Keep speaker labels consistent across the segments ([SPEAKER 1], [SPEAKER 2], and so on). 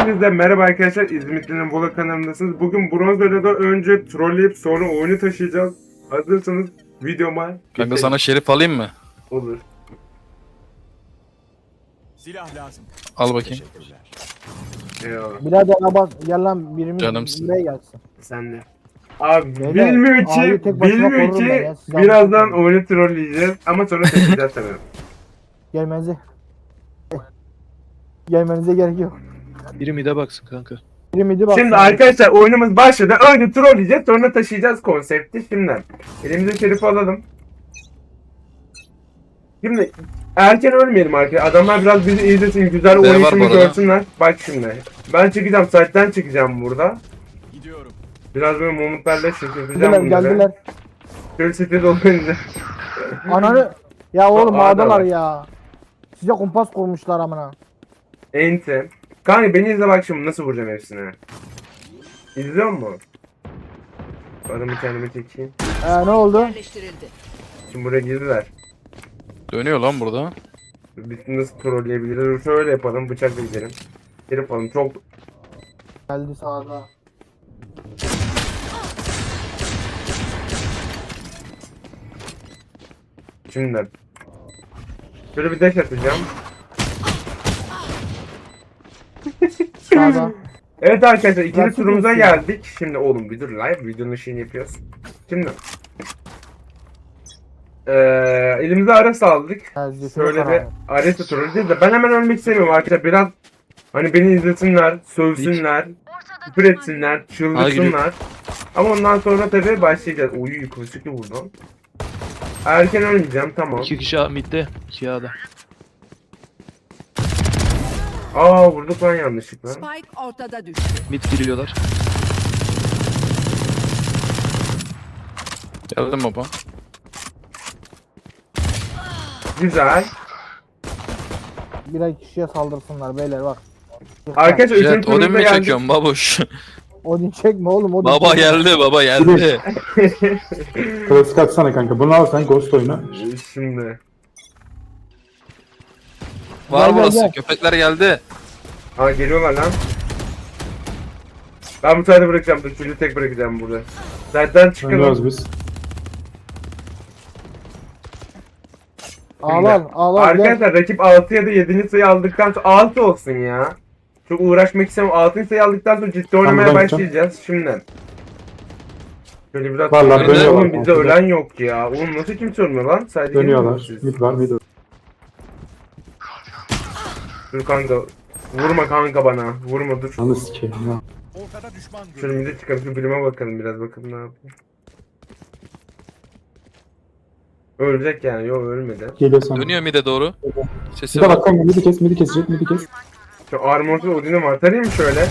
[SPEAKER 1] Hepinize merhaba arkadaşlar. İzmitli'nin Vola kanalındasınız. Bugün bronz ödülden önce trolleyip sonra oyunu taşıyacağız. Hazırsanız videoma
[SPEAKER 2] Kanka
[SPEAKER 1] geçelim.
[SPEAKER 2] sana şerif alayım mı?
[SPEAKER 1] Olur.
[SPEAKER 3] Silah lazım.
[SPEAKER 2] Al bakayım.
[SPEAKER 3] Teşekkürler.
[SPEAKER 1] Eyvallah.
[SPEAKER 4] Birader abart gel lan birimiz
[SPEAKER 2] Canımsın.
[SPEAKER 4] buraya gelsin.
[SPEAKER 1] Sen de. Abi
[SPEAKER 4] Beyler,
[SPEAKER 1] bilmiyor
[SPEAKER 4] abi
[SPEAKER 1] ki,
[SPEAKER 4] tek başıma
[SPEAKER 1] bilmiyor
[SPEAKER 4] korurum ben
[SPEAKER 1] ki
[SPEAKER 4] ya, siz
[SPEAKER 1] birazdan
[SPEAKER 4] anlatın.
[SPEAKER 1] oyunu trolleyeceğiz ama sonra taşıyacağız tabii.
[SPEAKER 4] Gelmenize gerek yok.
[SPEAKER 5] Biri mide baksın kanka.
[SPEAKER 4] Biri midi bak.
[SPEAKER 1] Şimdi arkadaşlar oyunumuz başladı. Önce trolleyeceğiz sonra taşıyacağız konsepti. Şimdi elimize şerifi alalım. Şimdi erken ölmeyelim arkadaşlar. Adamlar biraz bizi izlesin, güzel
[SPEAKER 2] var
[SPEAKER 1] oynayışımı
[SPEAKER 2] bu arada.
[SPEAKER 1] görsünler. Bak şimdi. Ben çıkacağım, site'den çıkacağım burada.
[SPEAKER 3] Gidiyorum.
[SPEAKER 1] Biraz böyle mumutlarla şaşırtacağım
[SPEAKER 4] Geldiler
[SPEAKER 1] bunları.
[SPEAKER 4] geldiler.
[SPEAKER 1] Şöyle site olunca.
[SPEAKER 4] Ananı. Ya oğlum
[SPEAKER 1] Aa,
[SPEAKER 4] ağdalar
[SPEAKER 1] ağdalar.
[SPEAKER 4] ya. Size kumpas kurmuşlar amına.
[SPEAKER 1] Enti. Kanka beni izle bak şimdi nasıl vuracağım hepsine. İzliyor musun? Adamı kendime çekeyim.
[SPEAKER 4] Ne oldu?
[SPEAKER 6] Yerleştirildi.
[SPEAKER 1] Şimdi buraya girdiler.
[SPEAKER 2] Dönüyor lan burada.
[SPEAKER 1] Biz nasıl trolleyebiliriz? Şöyle yapalım, bıçakla gidelim. Geri yapalım, çok...
[SPEAKER 4] Geldi sağda.
[SPEAKER 1] Şimdi. Şöyle bir dash atacağım.
[SPEAKER 4] Sağda.
[SPEAKER 1] Evet arkadaşlar ikinci
[SPEAKER 4] Gerçek
[SPEAKER 1] turumuza
[SPEAKER 4] misin?
[SPEAKER 1] geldik. Şimdi oğlum bir dur live videonun şeyini yapıyoruz. Şimdi. Elimize Ares aldık. Şöyle bir Ares'e trolleyeceğiz de ben hemen ölmek istemiyorum arkadaşlar. Biraz hani beni izlesinler, sövsünler, küfür etsinler, çıldırsınlar. Ama ondan sonra tabii başlayacağız. Uy kılıçlı vurdum. Erken ölmeyeceğim tamam.
[SPEAKER 5] 2 kişi A midde, 2 A'da.
[SPEAKER 1] Aa vurduk lan yanlışlıkla.
[SPEAKER 6] Spike ortada düştü.
[SPEAKER 5] Mid giriyorlar.
[SPEAKER 2] Geldim baba.
[SPEAKER 1] Güzel.
[SPEAKER 4] Birer kişiye saldırsınlar beyler bak.
[SPEAKER 1] Arkadaşlar üçüncü
[SPEAKER 2] Jet Odin
[SPEAKER 1] turumuza
[SPEAKER 2] mi
[SPEAKER 1] geldik.
[SPEAKER 2] çekiyorsun babuş?
[SPEAKER 4] Odin çekme oğlum Odin
[SPEAKER 2] Baba
[SPEAKER 4] çekme.
[SPEAKER 2] geldi baba geldi.
[SPEAKER 7] Klasik atsana kanka. Bunu al sen Ghost oyna.
[SPEAKER 1] Şimdi.
[SPEAKER 2] Var
[SPEAKER 4] Gel,
[SPEAKER 2] burası.
[SPEAKER 4] gel.
[SPEAKER 2] Köpekler geldi.
[SPEAKER 1] Aa geliyorlar lan. Ben bu sayede bırakacağım. Dur çocuğu tek bırakacağım burada. Zaten çıkalım.
[SPEAKER 7] Oynuyoruz biz.
[SPEAKER 4] Ağlar gel.
[SPEAKER 1] Arkadaşlar rakip 6 ya da 7. sayı aldıktan sonra 6 olsun ya. Çok uğraşmak istemiyorum. 6. sayı aldıktan sonra ciddi oynamaya
[SPEAKER 7] buradan gideceğim.
[SPEAKER 1] başlayacağız şimdiden. Şöyle biraz
[SPEAKER 7] Vallahi
[SPEAKER 1] Oğlum
[SPEAKER 7] dönüyorlar.
[SPEAKER 1] bizde ölen yok ya. Oğlum nasıl kimse ölmüyor lan? Sadece
[SPEAKER 7] Dönüyorlar.
[SPEAKER 1] siz.
[SPEAKER 7] Mid var mid var.
[SPEAKER 1] Dur kanka. Vurma kanka bana. Vurma dur.
[SPEAKER 7] Anı sikeyim ya.
[SPEAKER 3] Ortada düşman
[SPEAKER 1] Şöyle
[SPEAKER 3] görüldü.
[SPEAKER 1] bir çıkalım. Şu bilime bakalım biraz. Bakalım ne yapıyor. Ölecek yani. Yok ölmedi.
[SPEAKER 7] Geliyor sana.
[SPEAKER 2] Dönüyor mide doğru. Sesi
[SPEAKER 7] Bir de
[SPEAKER 2] var.
[SPEAKER 7] bak kanka midi kesecek midi kes.
[SPEAKER 1] Şu armorsuz Odin'im var. Tarayayım mı şöyle?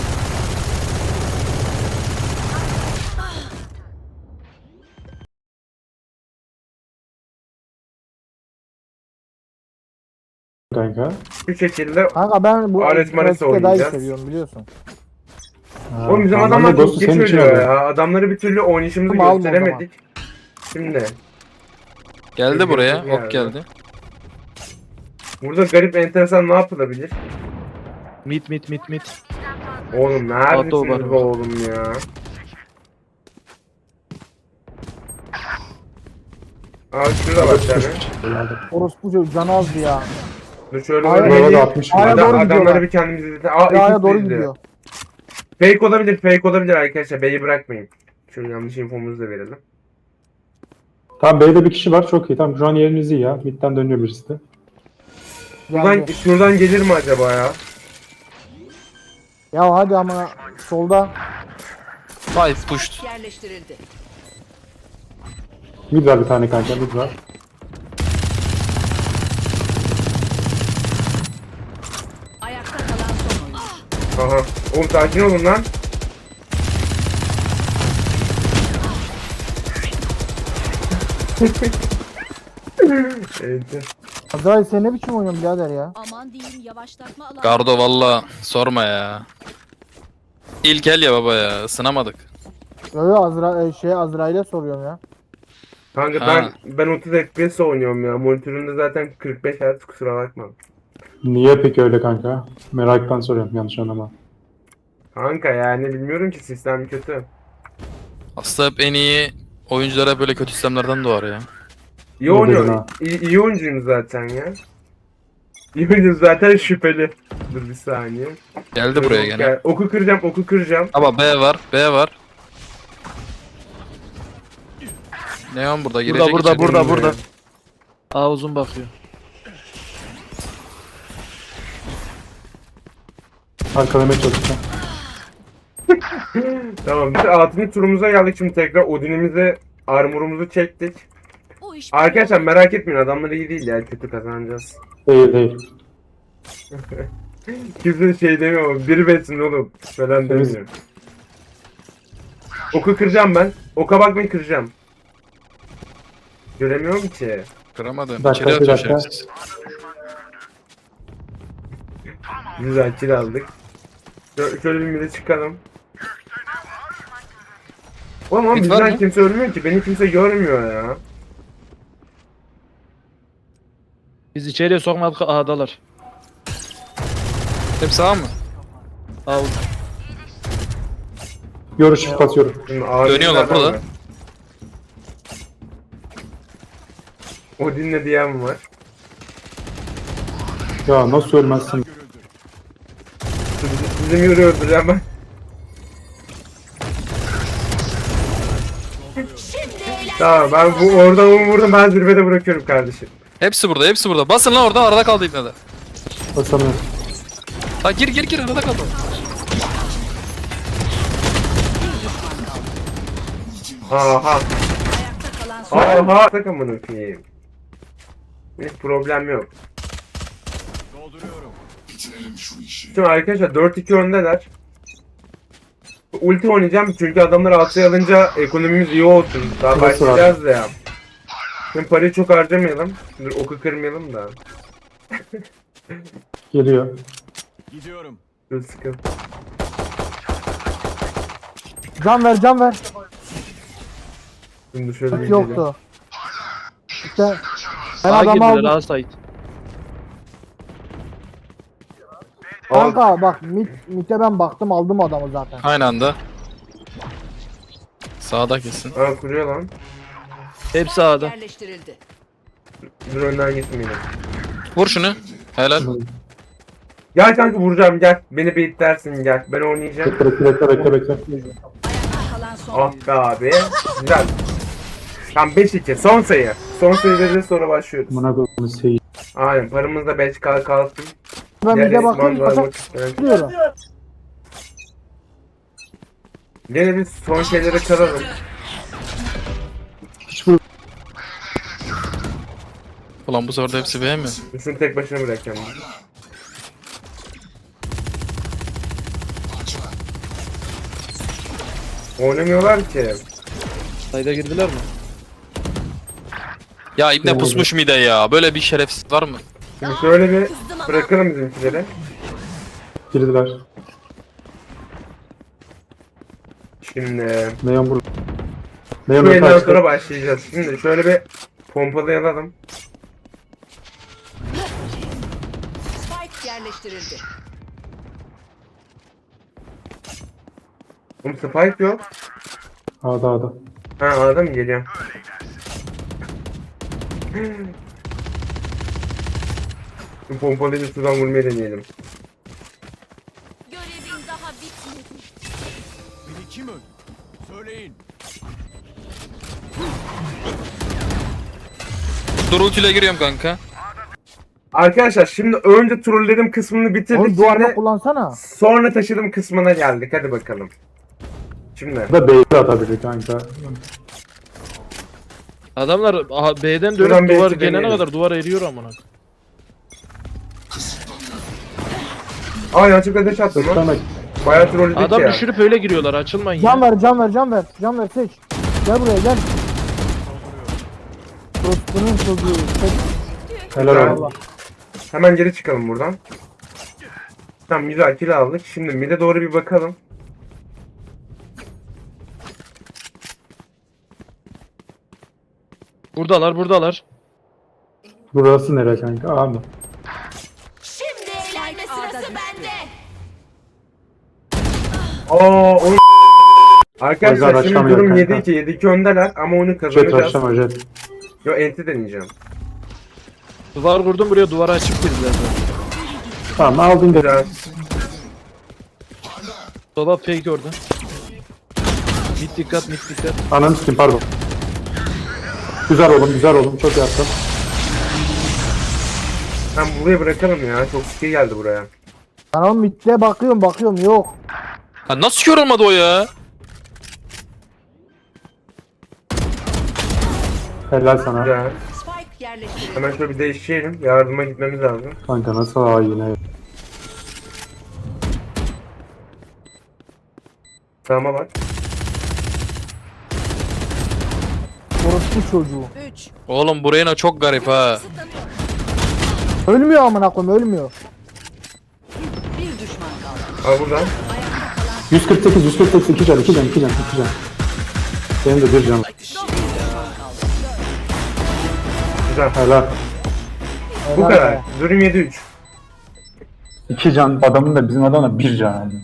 [SPEAKER 7] Kanka.
[SPEAKER 1] Şu şekilde.
[SPEAKER 4] Kanka ben bu
[SPEAKER 1] Ares Mares'i
[SPEAKER 4] klasikte daha iyi
[SPEAKER 1] oynayacağız.
[SPEAKER 4] seviyorum biliyorsun.
[SPEAKER 7] Ha,
[SPEAKER 1] Oğlum bizim
[SPEAKER 7] tamam,
[SPEAKER 1] adamlar
[SPEAKER 7] ben de
[SPEAKER 1] çok
[SPEAKER 7] Ghost'u
[SPEAKER 1] geç
[SPEAKER 7] senin için
[SPEAKER 1] ölüyor
[SPEAKER 7] alıyorum.
[SPEAKER 1] ya. Adamları bir türlü oynayışımızı
[SPEAKER 4] Tamam, alma o
[SPEAKER 1] gösteremedik. Şimdi.
[SPEAKER 2] Geldi buraya.
[SPEAKER 1] Geldi.
[SPEAKER 2] Ok geldi.
[SPEAKER 1] Burada garip enteresan ne yapılabilir?
[SPEAKER 5] Mid.
[SPEAKER 1] Oğlum
[SPEAKER 5] Auto
[SPEAKER 1] neredesiniz
[SPEAKER 5] var.
[SPEAKER 1] be oğlum ya? Aa şurada bak tane.
[SPEAKER 4] Orospu çocuğu canı azdı ya.
[SPEAKER 1] Dur şöyle
[SPEAKER 4] Hayır,
[SPEAKER 1] böyle
[SPEAKER 7] Bravo da
[SPEAKER 1] bir-
[SPEAKER 7] 60
[SPEAKER 4] Hayır,
[SPEAKER 7] var.
[SPEAKER 4] doğru
[SPEAKER 1] adamları
[SPEAKER 4] gidiyorlar.
[SPEAKER 1] bir kendimiz izletelim. Aa
[SPEAKER 4] Yaya
[SPEAKER 1] ikisi
[SPEAKER 4] doğru
[SPEAKER 1] izliyor.
[SPEAKER 4] gidiyor.
[SPEAKER 1] Fake olabilir arkadaşlar. B'yi bırakmayın. Şöyle yanlış infomuzu da verelim.
[SPEAKER 7] Tamam B'de bir kişi var çok iyi. Tamam şu an yeriniz iyi ya. Mid'den dönüyor birisi de.
[SPEAKER 1] Şuradan, şuradan gelir mi acaba ya?
[SPEAKER 4] Ya hadi ama solda.
[SPEAKER 2] Five pushed.
[SPEAKER 6] Yerleştirildi.
[SPEAKER 7] Mid var bir tane kanka mid var.
[SPEAKER 6] Ayakta kalan son oyuncu.
[SPEAKER 1] Aha. Oğlum sakin olun lan. Evet.
[SPEAKER 4] Azrail sen ne biçim oynuyorsun birader ya?
[SPEAKER 6] Aman diyeyim yavaşlatma alanı.
[SPEAKER 2] Gardo valla sorma ya. İlk el ya baba ya. Isınamadık.
[SPEAKER 4] Yo yo Azrail'e soruyorum ya.
[SPEAKER 1] Kanka
[SPEAKER 2] Ha.
[SPEAKER 1] ben 30 FPS oynuyorum ya. Monitörümde zaten 45 Hz kusura bakma.
[SPEAKER 7] Niye peki öyle kanka? Meraktan soruyorum yanlış anlama.
[SPEAKER 1] Kanka yani bilmiyorum ki sistem kötü.
[SPEAKER 2] Aslında hep en iyi oyunculara böyle kötü sistemlerden doğar ya.
[SPEAKER 1] İyi
[SPEAKER 7] Ne
[SPEAKER 1] oynuyor.
[SPEAKER 7] dedin ha?
[SPEAKER 1] İyi oyuncuyum zaten ya. İyi oyuncuyum zaten şüpheli. Dur bir saniye.
[SPEAKER 2] Geldi buraya gene.
[SPEAKER 1] Gel. Oku kıracağım, oku kıracağım.
[SPEAKER 2] Ama B var, B var. Neon burada girecek
[SPEAKER 5] Burada
[SPEAKER 2] içeri.
[SPEAKER 5] burada burada. A uzun bakıyor.
[SPEAKER 7] Arkalamaya çalışacağım.
[SPEAKER 1] Tamam. Biz 6. turumuza geldik şimdi tekrar. Odin'imizi, armorumuzu çektik.
[SPEAKER 6] Bu iş
[SPEAKER 1] Arkadaşlar merak etmeyin, adamlar iyi değil ya, kötü kazanacağız.
[SPEAKER 7] Değil değil.
[SPEAKER 1] Kimse şey demiyor ama biri besin oğlum falan
[SPEAKER 7] Temiz.
[SPEAKER 1] demiyor. Oku kıracağım ben. Oka bakmayı kıracağım. Göremiyorum ki.
[SPEAKER 2] Kıramadım.
[SPEAKER 7] Bir dakika,
[SPEAKER 2] İçeri
[SPEAKER 7] bir
[SPEAKER 2] atıyor
[SPEAKER 7] dakika.
[SPEAKER 2] şerefsiz.
[SPEAKER 1] Güzel kill aldık. Şöyle bir mide çıkalım. Oğlum ama
[SPEAKER 2] Mid var
[SPEAKER 1] bizden
[SPEAKER 2] mı?
[SPEAKER 1] kimse ölmüyor ki. Beni kimse görmüyor ya.
[SPEAKER 5] Biz içeriye sokmadık, A'dalar.
[SPEAKER 2] Hep sağ mı?
[SPEAKER 5] A uzun.
[SPEAKER 7] Görüş basıyorum.
[SPEAKER 1] Şimdi ağır
[SPEAKER 2] Dönüyorlar
[SPEAKER 1] yerlerden
[SPEAKER 2] burada.
[SPEAKER 1] var. Odin'le diyen var.
[SPEAKER 7] Ya nasıl ölmezsin?
[SPEAKER 3] Görüldü.
[SPEAKER 1] Bizim yürü öldüreceğim ben. Tamam ben bu oradan onu vurdum, ben zirvede bırakıyorum kardeşim.
[SPEAKER 2] Hepsi burada, hepsi burada. Basın lan orada, arada kaldı ipne de.
[SPEAKER 7] Basamıyorum.
[SPEAKER 2] Ha gir arada kaldı.
[SPEAKER 1] Aha.
[SPEAKER 6] ayakta kalan son
[SPEAKER 1] Aha. Takımını öpeyim. Hiç problem yok.
[SPEAKER 3] Dolduruyorum.
[SPEAKER 1] Şimdi arkadaşlar 4-2 öndeler. Ulti oynayacağım çünkü adamlar altıya alınca ekonomimiz iyi olsun. Daha
[SPEAKER 7] Nasıl
[SPEAKER 1] başlayacağız da ya. Şimdi parayı çok harcamayalım. Dur oku kırmayalım da.
[SPEAKER 7] Geliyor.
[SPEAKER 3] Gidiyorum.
[SPEAKER 1] Dur sıkın.
[SPEAKER 4] Can ver can ver.
[SPEAKER 1] Şimdi şöyle bir
[SPEAKER 4] Hiç
[SPEAKER 1] gidelim.
[SPEAKER 4] yoktu. İşte ben
[SPEAKER 5] A
[SPEAKER 4] adamı
[SPEAKER 5] girdiler,
[SPEAKER 4] aldım.
[SPEAKER 5] A site.
[SPEAKER 4] Kanka bak MIT'e ben baktım aldım adamı zaten.
[SPEAKER 2] Aynı anda. Sağda kesin.
[SPEAKER 1] Aa kuruyor lan.
[SPEAKER 5] Hepsi A'da.
[SPEAKER 6] yerleştirildi.
[SPEAKER 1] Dur önden gitmeyelim.
[SPEAKER 2] Vur şunu. Helal.
[SPEAKER 1] Gel kanka vuracağım gel. Beni beyitlersin gel. Ben oynayacağım.
[SPEAKER 7] Bekle.
[SPEAKER 6] Ayakta kalan son
[SPEAKER 1] Ah be abi. Güzel. Tam 5-2. Son sayı. Son sayı veririz sonra başlıyoruz.
[SPEAKER 7] Buna koyduğum şey.
[SPEAKER 1] Aynen paramız da 5K kalsın.
[SPEAKER 4] Ben
[SPEAKER 1] Diğer
[SPEAKER 4] MIT'e baktım
[SPEAKER 1] Esman'la
[SPEAKER 4] kaçak
[SPEAKER 1] almak isteyen-
[SPEAKER 4] diyorum.
[SPEAKER 1] Gene biz son şeyleri çalalım.
[SPEAKER 2] Ulan bu sefer de hepsi B mi?
[SPEAKER 1] Şunu tek başına bırakacağım. Oynamıyorlar ki.
[SPEAKER 5] Sayda girdiler mi?
[SPEAKER 2] Ya İbne pusmuş mide ya. Böyle bir şerefsiz var mı?
[SPEAKER 1] Şimdi şöyle bir bırakalım bizimkileri.
[SPEAKER 7] Girdiler.
[SPEAKER 1] Şimdi
[SPEAKER 7] Neon burada.
[SPEAKER 1] bu
[SPEAKER 7] Neon
[SPEAKER 1] elden
[SPEAKER 7] kaçtı.
[SPEAKER 1] sonra başlayacağız. Şimdi şöyle bir pompalayalım.
[SPEAKER 6] Spike yerleştirildi.
[SPEAKER 1] Oğlum spike yok.
[SPEAKER 7] A'da.
[SPEAKER 1] Ha anladın mı? Geliyorum. Şu pompalayıcı şuradan vurmayı deneyelim.
[SPEAKER 6] Görevin daha bitmedi.
[SPEAKER 3] Beni kim öldü? Söyleyin.
[SPEAKER 2] Dur ultiyle giriyorum kanka.
[SPEAKER 1] Arkadaşlar şimdi önce trolledim kısmını bitirdik.
[SPEAKER 4] Oğlum duvarda
[SPEAKER 1] Şimdi
[SPEAKER 4] kullansana.
[SPEAKER 1] sonra taşıdım kısmına geldik. Hadi bakalım. Şimdi.
[SPEAKER 7] Bu da B'de atabilir kanka.
[SPEAKER 5] Adamlar B'den
[SPEAKER 1] Şuradan
[SPEAKER 5] dönüp duvar
[SPEAKER 1] belki
[SPEAKER 5] gelene
[SPEAKER 1] deneyelim.
[SPEAKER 5] kadar duvar eriyor amına.
[SPEAKER 1] Aa yanlışlıkla deş attım lan.
[SPEAKER 7] Sana
[SPEAKER 1] Bayağı trolledik
[SPEAKER 5] Adam
[SPEAKER 1] ya.
[SPEAKER 5] düşürüp öyle giriyorlar, açılmayın
[SPEAKER 4] Can
[SPEAKER 5] ya.
[SPEAKER 4] ver can ver can ver. Can ver seç. Gel buraya gel. Dostunun çocuğu. Seç.
[SPEAKER 7] helal olsun.
[SPEAKER 4] Allah.
[SPEAKER 1] Hemen geri çıkalım buradan. Tamam güzel kill aldık. Şimdi mid'e doğru bir bakalım.
[SPEAKER 5] Buradalar.
[SPEAKER 7] Burası nere kanka? A mı?
[SPEAKER 6] Şimdi eğlenme sırası bende.
[SPEAKER 1] Aa oyun.
[SPEAKER 7] O
[SPEAKER 1] Arkadaşlar
[SPEAKER 7] yüzden
[SPEAKER 1] şimdi
[SPEAKER 7] açamıyor
[SPEAKER 1] durum
[SPEAKER 7] kanka.
[SPEAKER 1] 7-2. 7-2 öndeler ama oyunu
[SPEAKER 7] Jet
[SPEAKER 1] kazanacağız.
[SPEAKER 7] başlama jet.
[SPEAKER 1] Yo enti deneyeceğim.
[SPEAKER 5] Duvar kurdum buraya, duvara açıp girdiler zaten.
[SPEAKER 7] Tamam aldın da.
[SPEAKER 1] Güzel.
[SPEAKER 5] Dolap fake orada. Mid dikkat, mid dikkat.
[SPEAKER 7] Ananı sikeyim pardon. Güzel oğlum güzel oğlum çok yaptın.
[SPEAKER 1] Ben buraya bırakalım ya. Çok skill geldi buraya.
[SPEAKER 4] Ben oğlum midde bakıyorum yok.
[SPEAKER 2] Ha nasıl kör olmadı o ya?
[SPEAKER 7] Helal sana.
[SPEAKER 1] Güzel.
[SPEAKER 6] Spike yerleştirildi.
[SPEAKER 1] Hemen şöyle bir değişelim. Yardıma gitmemiz lazım.
[SPEAKER 7] Kanka nasıl aa yine.
[SPEAKER 1] Sağıma bak.
[SPEAKER 4] Orospu çocuğu.
[SPEAKER 6] 3.
[SPEAKER 2] Oğlum bu Reyna çok garip ha.
[SPEAKER 4] Ölmüyor amına koyayım ölmüyor.
[SPEAKER 6] Bir düşman kaldı.
[SPEAKER 1] Al buradan.
[SPEAKER 7] 148 148 2 can 2 can 2 can 2 can. Benim de 1 can.
[SPEAKER 1] Güzel.
[SPEAKER 7] Helal.
[SPEAKER 1] Bu
[SPEAKER 4] Helal
[SPEAKER 1] kadar.
[SPEAKER 4] be.
[SPEAKER 1] Durum 7-3.
[SPEAKER 7] 2 can adamın da bizim adamla 1 can aldı.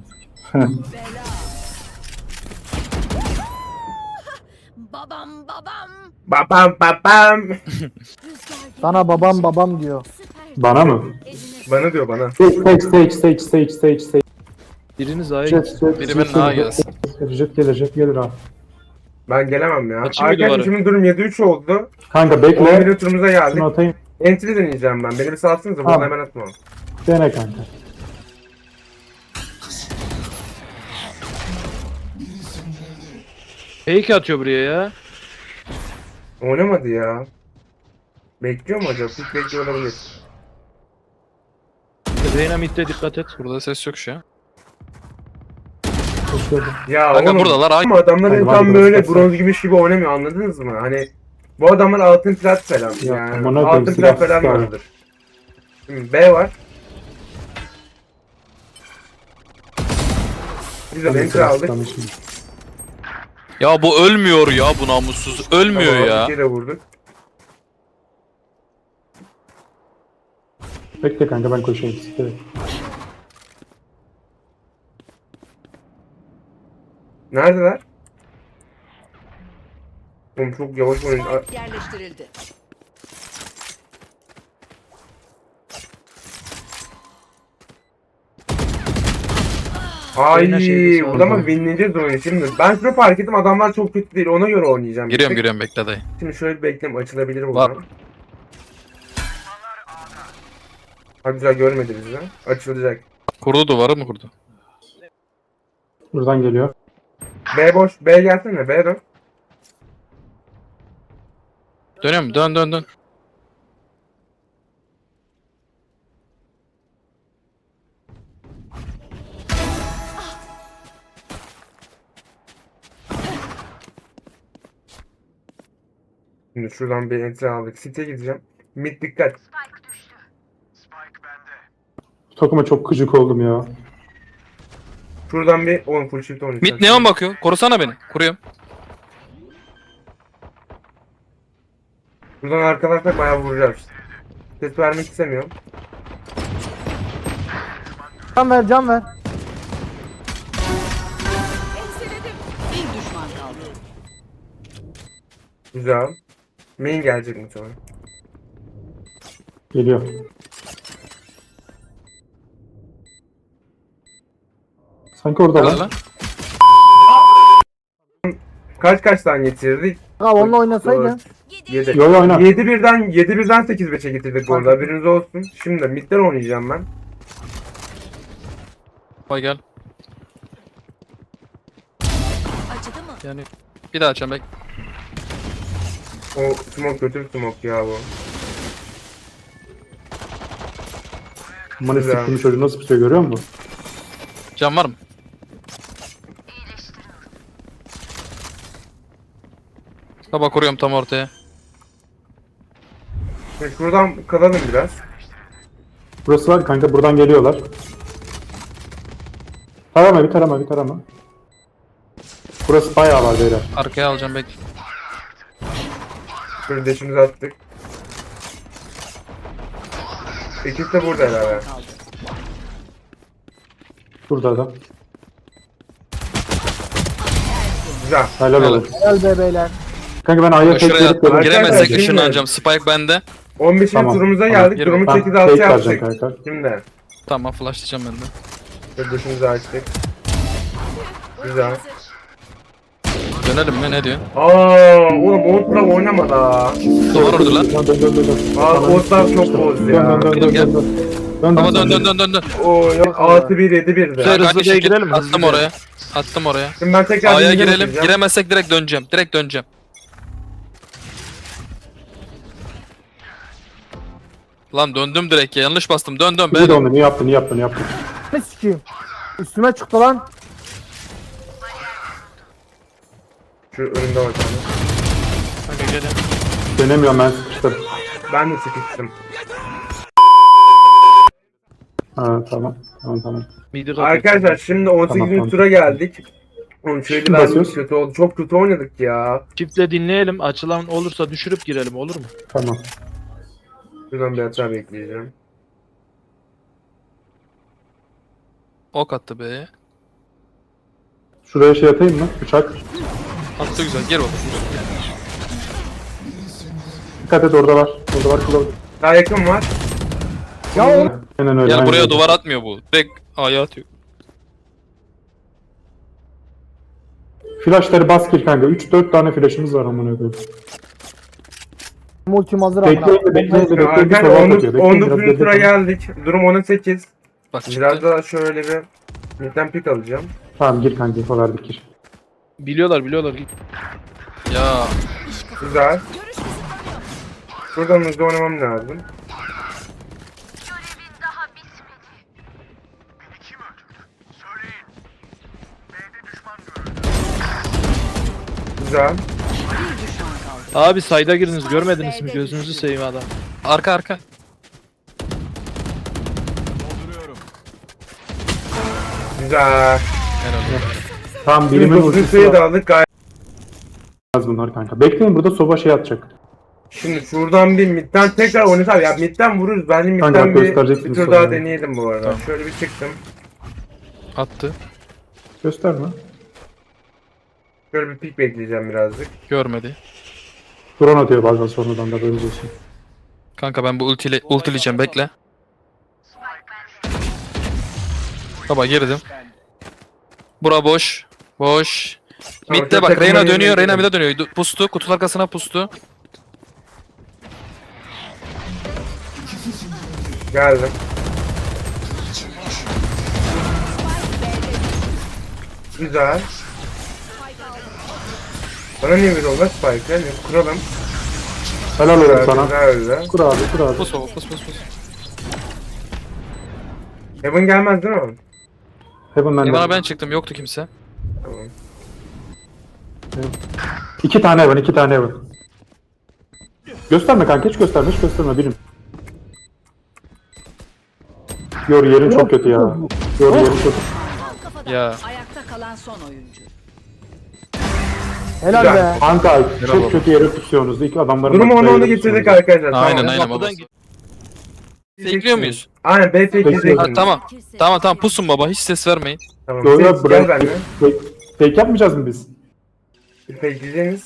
[SPEAKER 6] Babam babam.
[SPEAKER 1] Babam babam.
[SPEAKER 4] Sana babam diyor.
[SPEAKER 7] Bana mı?
[SPEAKER 1] Bana diyor bana.
[SPEAKER 7] Sage.
[SPEAKER 5] Biriniz A'ya
[SPEAKER 7] Jet,
[SPEAKER 5] gitsin.
[SPEAKER 7] jet,
[SPEAKER 2] Biri
[SPEAKER 7] jet
[SPEAKER 2] benim A'ya
[SPEAKER 7] gelir.
[SPEAKER 2] gelsin.
[SPEAKER 7] Jet gelir ha.
[SPEAKER 1] Ben gelemem ya.
[SPEAKER 5] Açayım mı
[SPEAKER 1] Arkadaşlar
[SPEAKER 5] duvarı?
[SPEAKER 1] şimdi durum 7-3 oldu.
[SPEAKER 7] Kanka
[SPEAKER 1] 11
[SPEAKER 7] bekle.
[SPEAKER 1] turumuza geldik.
[SPEAKER 7] Şunu atayım.
[SPEAKER 1] Entry deneyeceğim ben. Beni bir salsınıza. Buradan
[SPEAKER 7] Tamam.
[SPEAKER 1] hemen atma.
[SPEAKER 7] Dene kanka.
[SPEAKER 5] Fake atıyor buraya ya.
[SPEAKER 1] Oynamadı ya. Bekliyor mu acaba? Hiç bekliyor olabilir.
[SPEAKER 5] Reyna midde dikkat et.
[SPEAKER 2] Burada ses yok şu an.
[SPEAKER 1] Ya
[SPEAKER 2] Kanka
[SPEAKER 1] oğlum.
[SPEAKER 2] buradalar, ay-
[SPEAKER 1] Ama adamlar
[SPEAKER 7] Hadi,
[SPEAKER 1] tam
[SPEAKER 7] hadi,
[SPEAKER 1] böyle
[SPEAKER 7] hadi.
[SPEAKER 1] bronz gümüş gibi oynamıyor. Anladınız mı? Hani bu adamlar altın plat falan.
[SPEAKER 7] Ya,
[SPEAKER 1] Yani
[SPEAKER 7] amına koyayım,
[SPEAKER 1] altın plat
[SPEAKER 7] silah
[SPEAKER 1] falan
[SPEAKER 7] sıkar.
[SPEAKER 1] vardır. Şimdi B var. Güzel entry aldık.
[SPEAKER 2] Ya bu ölmüyor ya, bu namussuz. Ölmüyor
[SPEAKER 1] Tamam,
[SPEAKER 2] ya.
[SPEAKER 1] bir de vurduk.
[SPEAKER 7] Bekle kanka ben koşayım. Evet.
[SPEAKER 1] Neredeler? Oğlum çok yavaş oyun.
[SPEAKER 6] Spike yerleştirildi.
[SPEAKER 1] Ay
[SPEAKER 5] Oyuna şeyde sağ
[SPEAKER 1] burada mı
[SPEAKER 7] olun.
[SPEAKER 1] winleyeceğiz oyunu şimdi. Ben şunu fark ettim adamlar çok kötü değil ona göre oynayacağım.
[SPEAKER 2] Giriyorum bekle dayı.
[SPEAKER 1] Şimdi şöyle bir bekleyeyim açılabilir
[SPEAKER 2] Var.
[SPEAKER 1] buradan. Ha güzel görmedi bizi. Açılacak.
[SPEAKER 2] Kurdu, duvarı mı kurdu?
[SPEAKER 7] Buradan geliyor.
[SPEAKER 1] B boş. B gelsene. B dön.
[SPEAKER 2] Dönüyor mu? Dön.
[SPEAKER 1] Şimdi şuradan bir entry aldık. City'ye gideceğim. Mid dikkat.
[SPEAKER 7] Takıma çok gıcık oldum ya.
[SPEAKER 1] Şuradan bir 10 full shift oynayacağız.
[SPEAKER 2] Mid neon bakıyor. Korusana beni. Kuruyorum.
[SPEAKER 1] Buradan arkadaşlar bayağı vuracağız. Ses vermek istemiyorum.
[SPEAKER 4] Can ver.
[SPEAKER 6] Bir düşman kaldı.
[SPEAKER 1] Güzel. Main gelecek mi sonra?
[SPEAKER 7] Geliyor. Sanki orada
[SPEAKER 2] Nerede
[SPEAKER 7] lan.
[SPEAKER 2] lan?
[SPEAKER 1] Kaç tane getirdik?
[SPEAKER 4] Ha onunla oynasaydın.
[SPEAKER 1] 7.
[SPEAKER 7] Yo, yo, oyna.
[SPEAKER 1] 7-1'den 8-5'e getirdik bu arada. Haberiniz olsun. Şimdi midden oynayacağım ben.
[SPEAKER 2] Vay gel.
[SPEAKER 6] Acıdı mı?
[SPEAKER 2] Yani bir daha açacağım bek.
[SPEAKER 1] O smoke kötü bir smoke ya bu.
[SPEAKER 7] Aman
[SPEAKER 1] Güzel.
[SPEAKER 7] siktim çocuğu nasıl tutuyor görüyor musun?
[SPEAKER 2] Can var mı? Baba kuruyorum tam ortaya.
[SPEAKER 1] Şimdi şuradan kalalım biraz.
[SPEAKER 7] Burası var kanka buradan geliyorlar. Tarama bir tarama. Burası bayağı var beyler.
[SPEAKER 2] Arkaya alacağım bek.
[SPEAKER 1] Şöyle deşimizi attık. Ekip de burada herhalde.
[SPEAKER 7] Burada adam.
[SPEAKER 1] Güzel.
[SPEAKER 7] Helal
[SPEAKER 2] Helal.
[SPEAKER 7] olsun.
[SPEAKER 4] Helal be beyler.
[SPEAKER 7] Kanka ben A'ya tek
[SPEAKER 2] Şuraya
[SPEAKER 7] verip
[SPEAKER 2] attım.
[SPEAKER 7] böyle
[SPEAKER 2] Giremezsek
[SPEAKER 1] Şimdi-
[SPEAKER 2] ışınlanacağım. Spike bende.
[SPEAKER 1] 15.
[SPEAKER 7] Tamam,
[SPEAKER 1] turumuza
[SPEAKER 7] tamam.
[SPEAKER 1] geldik.
[SPEAKER 2] Gir
[SPEAKER 1] Durumu
[SPEAKER 2] bakalım.
[SPEAKER 1] 8-6
[SPEAKER 7] Fake vereceğim
[SPEAKER 1] yaptık.
[SPEAKER 7] kanka.
[SPEAKER 1] Şimdi.
[SPEAKER 2] Tamam flashlayacağım ben de.
[SPEAKER 1] Şöyle dışımızı açtık. Güzel.
[SPEAKER 2] Dönelim mi ne diyorsun?
[SPEAKER 1] Oğlum Oğuzlar oynama da.
[SPEAKER 2] Duvar orada lan.
[SPEAKER 7] Dön.
[SPEAKER 1] Oğuzlar çok bozdu
[SPEAKER 7] Dön
[SPEAKER 1] ya.
[SPEAKER 7] dön dön
[SPEAKER 2] Gel,
[SPEAKER 7] dön
[SPEAKER 2] gel.
[SPEAKER 7] dön. Dön
[SPEAKER 2] Baba
[SPEAKER 7] dön
[SPEAKER 2] dön.
[SPEAKER 1] Oo yok 6-1 7-1 de.
[SPEAKER 5] Güzel.
[SPEAKER 2] Kanka,
[SPEAKER 5] hızlı
[SPEAKER 2] aynı
[SPEAKER 5] B'ye
[SPEAKER 2] şekil.
[SPEAKER 5] girelim, hızlı
[SPEAKER 2] Attım
[SPEAKER 5] B'ye.
[SPEAKER 2] oraya. Attım oraya.
[SPEAKER 1] Şimdi ben tekrar
[SPEAKER 2] A'ya
[SPEAKER 1] birinci
[SPEAKER 2] girelim.
[SPEAKER 1] bakacağım.
[SPEAKER 2] Giremezsek direkt döneceğim. Direkt döneceğim. Lan döndüm direkt ya. Yanlış bastım. Dön
[SPEAKER 7] İyi
[SPEAKER 2] be.
[SPEAKER 7] de onu iyi yaptın.
[SPEAKER 4] Ne sikeyim? Üstüme çıktı lan.
[SPEAKER 1] Şu önümde var tane.
[SPEAKER 5] Kanka gelin.
[SPEAKER 7] Denemiyorum ben sıkıştım.
[SPEAKER 1] Ben de sıkıştım.
[SPEAKER 7] Ha tamam. Tamam.
[SPEAKER 5] Midi kapatın.
[SPEAKER 1] Arkadaşlar şimdi 18.
[SPEAKER 7] Tamam.
[SPEAKER 1] tura geldik. Oğlum şöyle
[SPEAKER 7] Kim
[SPEAKER 1] ben
[SPEAKER 7] basıyoruz?
[SPEAKER 1] kötü oldu. Çok kötü oynadık ya.
[SPEAKER 5] Çiftle dinleyelim. Açılan olursa düşürüp girelim, olur mu?
[SPEAKER 7] Tamam.
[SPEAKER 1] Şuradan bir hata bekleyeceğim.
[SPEAKER 2] Ok attı be.
[SPEAKER 7] Şuraya şey atayım mı? Uçak.
[SPEAKER 2] Attı güzel. Gir bakalım.
[SPEAKER 7] Dikkat et orada var. Orada var kulağı.
[SPEAKER 1] Daha yakın var.
[SPEAKER 4] Ya oğlum.
[SPEAKER 7] Aynen öyle.
[SPEAKER 2] Gel
[SPEAKER 7] aynen
[SPEAKER 2] buraya
[SPEAKER 7] öyle.
[SPEAKER 2] duvar atmıyor bu. Direkt A'ya atıyor.
[SPEAKER 7] Flashları bas gir kanka. 3-4 tane flashımız var amına koyayım.
[SPEAKER 4] Multim hazır amına.
[SPEAKER 7] Bekleyin de bir
[SPEAKER 1] Arkadaşlar
[SPEAKER 7] sola
[SPEAKER 1] 19.
[SPEAKER 7] atıyor. Bekleyin biraz
[SPEAKER 1] 19. tura
[SPEAKER 7] bekleyin.
[SPEAKER 1] geldik. Durum 10-8.
[SPEAKER 2] Bak
[SPEAKER 1] Biraz
[SPEAKER 2] çıktı.
[SPEAKER 1] daha şöyle bir midden pik alacağım.
[SPEAKER 7] Tamam gir kanka. Info verdik gir.
[SPEAKER 5] Biliyorlar.
[SPEAKER 2] Ya.
[SPEAKER 1] Güzel. Şuradan hızlı oynamam lazım. Güzel.
[SPEAKER 6] Bir düşman kaldı.
[SPEAKER 5] Abi sayda giriniz, görmediniz mi? Gözünüzü seveyim adam.
[SPEAKER 2] Arka.
[SPEAKER 3] Dolduruyorum.
[SPEAKER 1] Güzel.
[SPEAKER 2] Herhalde.
[SPEAKER 7] Tamam
[SPEAKER 1] Şimdi
[SPEAKER 7] birimin
[SPEAKER 1] 9.
[SPEAKER 7] ultisi
[SPEAKER 1] sayı
[SPEAKER 7] var.
[SPEAKER 1] da aldık gayet.
[SPEAKER 7] Bunlar kanka. Bekleyin burada soba şey atacak.
[SPEAKER 1] Şimdi şuradan bir midden tekrar oynasam ya midden vururuz. Bence
[SPEAKER 7] Kanka,
[SPEAKER 1] midden bir
[SPEAKER 7] göstereceksiniz
[SPEAKER 1] tur
[SPEAKER 7] sonra
[SPEAKER 1] daha
[SPEAKER 7] ya.
[SPEAKER 1] deneyelim bu arada.
[SPEAKER 2] Tamam.
[SPEAKER 1] Şöyle bir çıktım.
[SPEAKER 2] Attı.
[SPEAKER 7] Gösterme.
[SPEAKER 1] Şöyle bir pik bekleyeceğim birazcık.
[SPEAKER 2] Görmedi.
[SPEAKER 7] Drone atıyor bazen sonradan da böyle olsun.
[SPEAKER 2] Kanka ben bu ultileyeceğim bekle. Baba girdim. Bura boş. Boş.
[SPEAKER 1] Tamam,
[SPEAKER 2] Mid'de
[SPEAKER 1] şu
[SPEAKER 2] bak
[SPEAKER 1] takımı
[SPEAKER 2] Reyna
[SPEAKER 1] yemeğe
[SPEAKER 2] dönüyor. Reyna
[SPEAKER 1] gidelim.
[SPEAKER 2] bir de dönüyor. Pustu. Kutunun arkasına pustu.
[SPEAKER 1] Geldim. Güzel. Bana niye böyle oldu Spike ya? Kuralım.
[SPEAKER 7] Helal olsun
[SPEAKER 1] Güzel,
[SPEAKER 7] sana.
[SPEAKER 1] güzel öyle.
[SPEAKER 7] Kur abi.
[SPEAKER 2] Pus baba pus.
[SPEAKER 1] Heaven gelmez değil mi?
[SPEAKER 7] Heaven bende.
[SPEAKER 2] Bana ben çıktım. Yoktu kimse.
[SPEAKER 1] Tamam.
[SPEAKER 7] 2 tane Heaven. Gösterme kanka hiç gösterme birim. Yor yerin çok kötü ya. Yor yerin kötü.
[SPEAKER 6] Tam kafadan.
[SPEAKER 2] Ya.
[SPEAKER 6] Ayakta kalan son oyuncu.
[SPEAKER 4] Helal
[SPEAKER 1] Güzel.
[SPEAKER 4] be.
[SPEAKER 7] Kanka
[SPEAKER 2] Bravo.
[SPEAKER 7] çok kötü yere tutuyorsunuz. İlk adamların
[SPEAKER 1] Durumu
[SPEAKER 7] başına
[SPEAKER 1] 10'a
[SPEAKER 7] yere
[SPEAKER 1] getirdik
[SPEAKER 7] tutuyorsunuz.
[SPEAKER 1] arkadaşlar.
[SPEAKER 2] Aynen
[SPEAKER 1] Tamam.
[SPEAKER 2] aynen
[SPEAKER 5] Kapıdan
[SPEAKER 2] baba.
[SPEAKER 5] git.
[SPEAKER 2] Bekliyor muyuz?
[SPEAKER 1] Aynen B tek
[SPEAKER 7] Bekliyorum.
[SPEAKER 2] Ha,
[SPEAKER 1] gideceksiniz.
[SPEAKER 2] tamam pusun baba. Hiç ses vermeyin.
[SPEAKER 1] Tamam.
[SPEAKER 7] Yo
[SPEAKER 1] Gel
[SPEAKER 7] yo bırak.
[SPEAKER 1] benimle.
[SPEAKER 7] Fake yapmayacağız mı biz?
[SPEAKER 1] Bekleyeceğiniz.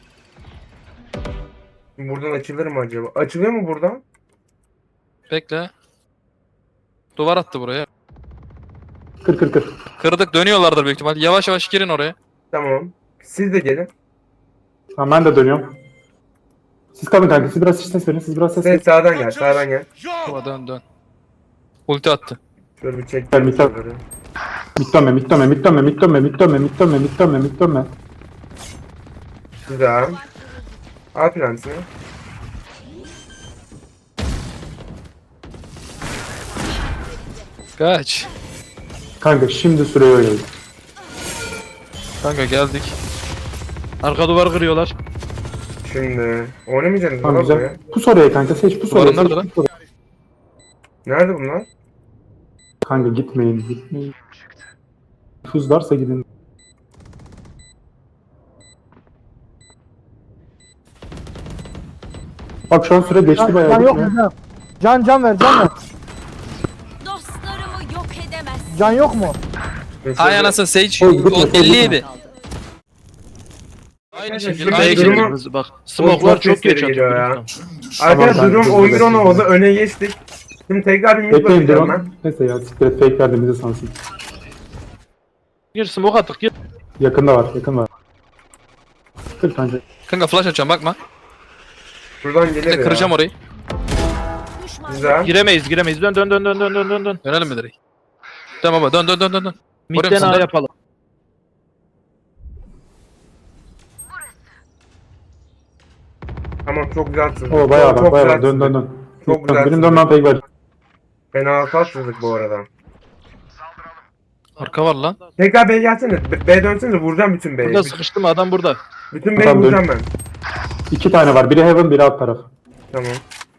[SPEAKER 1] Buradan açılır mı acaba? Açılıyor mu buradan?
[SPEAKER 2] Bekle. Duvar attı buraya.
[SPEAKER 7] Kır.
[SPEAKER 2] Kırdık dönüyorlardır büyük ihtimal. Yavaş yavaş girin oraya.
[SPEAKER 1] Tamam. Siz de gelin.
[SPEAKER 7] Tamam ben de dönüyorum. Siz kalın kanka. Siz biraz ses verin.
[SPEAKER 1] Sen sağdan gel. Sağdan gel.
[SPEAKER 2] Baba dön. Ulti attı.
[SPEAKER 1] Şöyle bir çek.
[SPEAKER 7] Gel, miktar. Mitlenme.
[SPEAKER 1] Güzel. Al prensini.
[SPEAKER 2] Kaç.
[SPEAKER 7] Kanka şimdi süreyi öyle.
[SPEAKER 2] Kanka geldik.
[SPEAKER 5] Arka duvar kırıyorlar.
[SPEAKER 1] Şimdi oynamayacaksınız
[SPEAKER 7] Tamam
[SPEAKER 1] lan
[SPEAKER 7] güzel.
[SPEAKER 1] buraya.
[SPEAKER 7] Pus oraya kanka. Seç pus oraya.
[SPEAKER 2] Duvarın
[SPEAKER 7] seç,
[SPEAKER 2] nerede lan?
[SPEAKER 7] pus oraya.
[SPEAKER 1] Nerede bunlar?
[SPEAKER 7] Kanka gitmeyin. Tuzlarsa gidin. Bak şu an süre geçti bayağı.
[SPEAKER 4] Can yok mu? Can ver.
[SPEAKER 6] Dostlarımı yok edemezsin.
[SPEAKER 4] Can yok mu?
[SPEAKER 2] Ay anasını Sage.
[SPEAKER 7] Oy, gitme,
[SPEAKER 2] O 57.
[SPEAKER 6] Kaldı.
[SPEAKER 2] Aynı
[SPEAKER 1] Şurada
[SPEAKER 2] şekilde aynı
[SPEAKER 1] durumu-
[SPEAKER 2] şekilde.
[SPEAKER 5] Hızlı bak. Smoke'lar
[SPEAKER 1] çok
[SPEAKER 5] çok geç
[SPEAKER 1] sesleri
[SPEAKER 5] atıyor.
[SPEAKER 1] geliyor ya.
[SPEAKER 5] Tamam.
[SPEAKER 1] Arkadaşlar
[SPEAKER 7] ben
[SPEAKER 1] durum
[SPEAKER 7] hızlı
[SPEAKER 1] 11-10
[SPEAKER 7] bekliyorum.
[SPEAKER 1] oldu. Öne geçtik. Şimdi tekrar bir mid
[SPEAKER 7] Bekleyin
[SPEAKER 1] bakacağım
[SPEAKER 7] drone.
[SPEAKER 1] ben.
[SPEAKER 7] Neyse ya siktir et fake verdiğimizi sansın.
[SPEAKER 5] Gir smoke attık gir.
[SPEAKER 7] Yakında var yakın var. Kır bence.
[SPEAKER 2] Kanka flash açacağım bakma.
[SPEAKER 1] Şuradan
[SPEAKER 2] Bir
[SPEAKER 1] gelir
[SPEAKER 2] de
[SPEAKER 1] ya.
[SPEAKER 2] kıracağım orayı.
[SPEAKER 1] Güzel.
[SPEAKER 5] Giremeyiz. Dön.
[SPEAKER 2] Dönelim mi direkt? Tamam baba dön.
[SPEAKER 5] Midden
[SPEAKER 2] musun
[SPEAKER 5] A
[SPEAKER 2] lan?
[SPEAKER 5] yapalım.
[SPEAKER 1] Tamam çok güzel sızdık.
[SPEAKER 7] O bayağı
[SPEAKER 1] Çok
[SPEAKER 7] bak bayağı
[SPEAKER 1] güzel
[SPEAKER 7] bak. Dön
[SPEAKER 1] sızdık.
[SPEAKER 7] dön.
[SPEAKER 1] Çok güzel
[SPEAKER 7] Benim
[SPEAKER 1] sızdık.
[SPEAKER 7] dönmem fake ver.
[SPEAKER 1] Fena hasar sızdık bu arada.
[SPEAKER 2] Arka var lan.
[SPEAKER 1] Tekrar B'ye gelsene. B dönsene vuracağım bütün B'yi.
[SPEAKER 5] Burada sıkıştım adam burada.
[SPEAKER 1] Bütün B'yi
[SPEAKER 7] Tamam, dön.
[SPEAKER 1] vuracağım ben.
[SPEAKER 7] 2 tane var. Biri heaven biri alt taraf.
[SPEAKER 1] Tamam.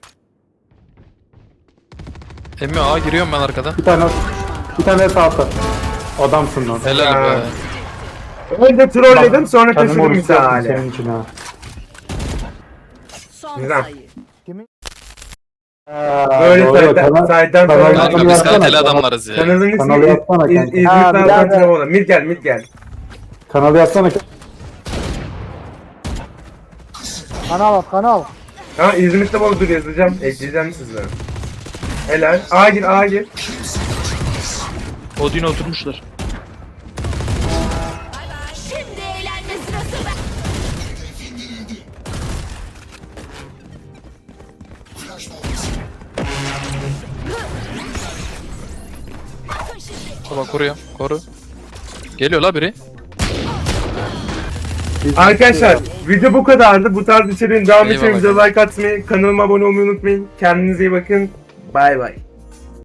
[SPEAKER 2] Emmi A giriyorum ben arkadan.
[SPEAKER 7] Bir tane de sağ altta. Adamsın lan.
[SPEAKER 2] Helal
[SPEAKER 1] Ya.
[SPEAKER 2] be.
[SPEAKER 1] Önce trolledim sonra
[SPEAKER 7] Kendimi
[SPEAKER 1] taşıdım
[SPEAKER 7] oruç yaptım
[SPEAKER 1] misali.
[SPEAKER 7] senin için ha.
[SPEAKER 6] Son
[SPEAKER 1] Güzel.
[SPEAKER 6] sayı.
[SPEAKER 1] Böyle
[SPEAKER 7] Doğru,
[SPEAKER 1] side'den
[SPEAKER 7] kanal
[SPEAKER 1] sonra.
[SPEAKER 7] Kanka,
[SPEAKER 2] Kanka biz
[SPEAKER 7] yapsana,
[SPEAKER 2] kaliteli
[SPEAKER 7] kanal-
[SPEAKER 2] adamlarız ya.
[SPEAKER 1] Kanalın
[SPEAKER 7] Kanalı
[SPEAKER 1] ismi
[SPEAKER 7] yapsana kanka.
[SPEAKER 1] İzmir'de
[SPEAKER 4] Ha, bir
[SPEAKER 1] Altan
[SPEAKER 4] daha-
[SPEAKER 1] Trevola. Mid gel.
[SPEAKER 7] Kanalı yazsana.
[SPEAKER 4] Kanal kanal.
[SPEAKER 1] Tamam İzmir'de bol dur yazacağım. Ekleyeceğim sizlere. Helal. A gir.
[SPEAKER 5] Odin oturmuşlar.
[SPEAKER 6] Şimdi eğlenme sırası ben.
[SPEAKER 2] Baba koruyor. Koru. Geliyor la biri.
[SPEAKER 1] Arkadaşlar video bu kadardı. Bu tarz içeriğin devam için
[SPEAKER 2] Eyvallah.
[SPEAKER 1] videoya like atmayı, kanalıma abone olmayı unutmayın. Kendinize iyi bakın. Bay bay.